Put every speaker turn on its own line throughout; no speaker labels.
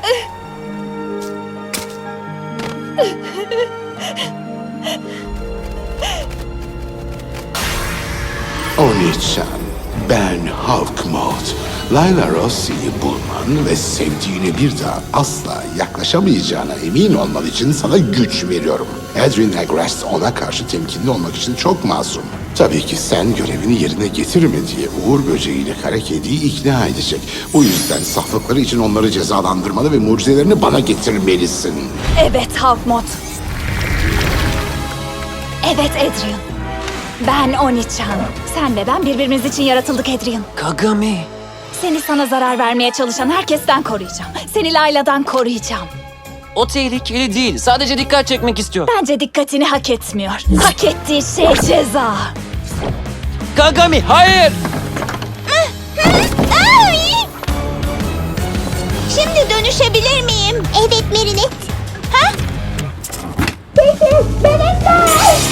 Oni-chan, ben Hawkmoth. Layla Rossi'yi bulman ve sevdiğine bir daha asla yaklaşamayacağına emin olman için sana güç veriyorum. Adrian Agrest ona karşı temkinli olmak için çok masum. Tabii ki sen görevini yerine getirme diye Uğur Böceği'yle kara kediyi ikna edecek. Bu yüzden saflıkları için onları cezalandırmalı ve mucizelerini bana getirmelisin.
Evet Hawkmoth. Evet Adrian. Ben Oni-chan. Sen ve ben birbirimiz için yaratıldık Adrian.
Kagami.
Seni sana zarar vermeye çalışan herkesten koruyacağım. Seni Layla'dan koruyacağım.
O tehlikeli değil. Sadece dikkat çekmek istiyor.
Bence dikkatini hak etmiyor. Hak ettiği şey ceza.
Kagami, hayır!
Şimdi dönüşebilir miyim? Evet Merinet. Ha? Peki, benimle.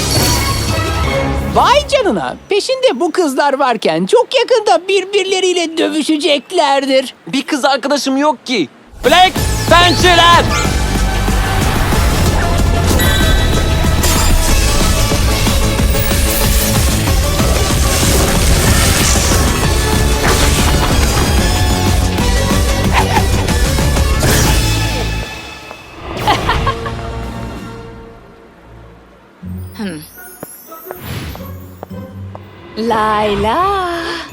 Vay canına. Peşinde bu kızlar varken çok yakında birbirleriyle dövüşeceklerdir.
Bir kız arkadaşım yok ki. Black pençeler!
Layla.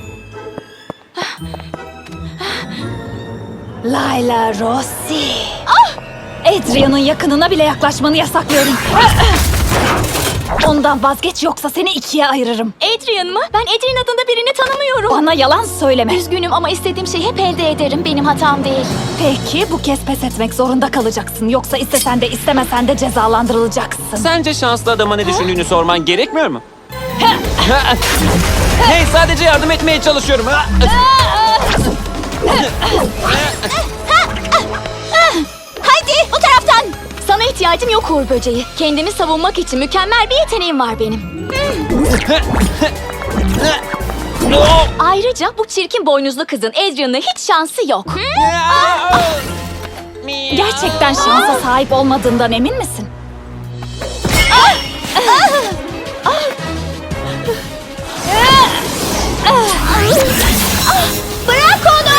Layla Rossi. Adrian'ın yakınına bile yaklaşmanı yasaklıyorum. Ondan vazgeç yoksa seni ikiye ayırırım.
Adrian mı? Ben Adrian adında birini tanımıyorum.
Bana yalan söyleme.
Üzgünüm ama istediğim şeyi hep elde ederim. Benim hatam değil.
Peki bu kez pes etmek zorunda kalacaksın. Yoksa istesen de istemesen de cezalandırılacaksın.
Sence şanslı adama ne düşündüğünü sorman gerekmiyor mu? Hey, sadece yardım etmeye çalışıyorum.
Hadi bu taraftan. Sana ihtiyacım yok Uğur Böceği. Kendimi savunmak için mükemmel bir yeteneğim var benim. Ayrıca bu çirkin boynuzlu kızın Adrian'la hiç şansı yok.
Gerçekten şansa sahip olmadığından emin misin?
Bırak onu!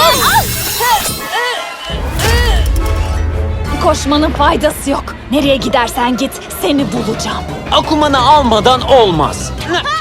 Koşmanın faydası yok. Nereye gidersen git seni bulacağım.
Akumanı almadan olmaz.